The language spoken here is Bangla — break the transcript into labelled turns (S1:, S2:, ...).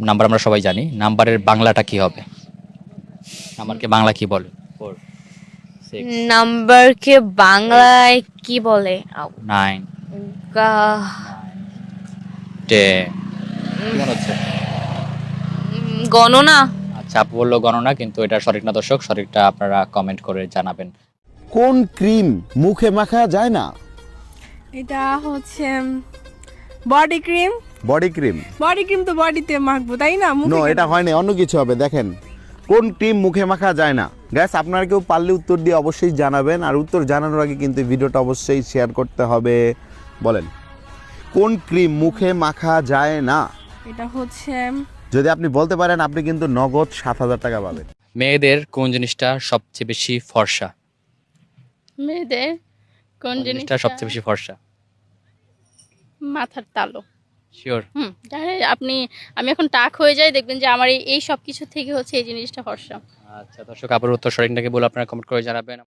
S1: নাম্বার আমরা সবাই জানি, নাম্বারের বাংলাটা কি হবে? নাম্বারকে বাংলা কি বলে? 4 6
S2: নাম্বারকে বাংলায় কি বলে?
S1: 9
S2: গা-
S1: 10 কি মনে হচ্ছে?
S2: গণনা।
S1: আচ্ছা, আপু বললো গণনা, কিন্তু এটা সঠিক না দর্শক, সঠিকটা আপনারা কমেন্ট করে জানাবেন।
S3: কোন ক্রিম মুখে মাখা যায় না?
S4: এটা হচ্ছে body cream.
S3: Body cream?
S4: Body cream তো বডিতে মাখবো, তাই না? মুখে
S3: নো,
S4: কেন?
S3: এটা হয় না, অন্য কিছু হবে। দেখেন, কোন ক্রিম মুখে মাখা যায় না? গ্যাস, আপনারা কেউ পারলে উত্তর দিয়ে অবশ্যই জানাবেন, আর উত্তর জানানোর আগে কিন্তু ভিডিওটা অবশ্যই শেয়ার করতে হবে। বলেন, কোন ক্রিম মুখে মাখা যায় না?
S4: এটা হচ্ছে
S3: যদি আপনি বলতে পারেন, আপনি কিন্তু নগদ 7,000 টাকা পাবেন।
S1: মেয়েদের কোন জিনিসটা সবচেয়ে বেশি ফর্সা?
S5: মেয়েদের কোন
S1: জিনিসটা সবচেয়ে বেশি ফর্সা?
S5: মাথার তালু।
S1: শিওর?
S5: আমি এখন টাক হয়ে যাই, দেখবেন যে আমার এই সব কিছু থেকে হচ্ছে এই জিনিসটা ফর্সা।
S1: আচ্ছা দর্শক, আপুর উত্তর সঠিক নাকি বলে আপনারা কমেন্ট করে জানাবেন।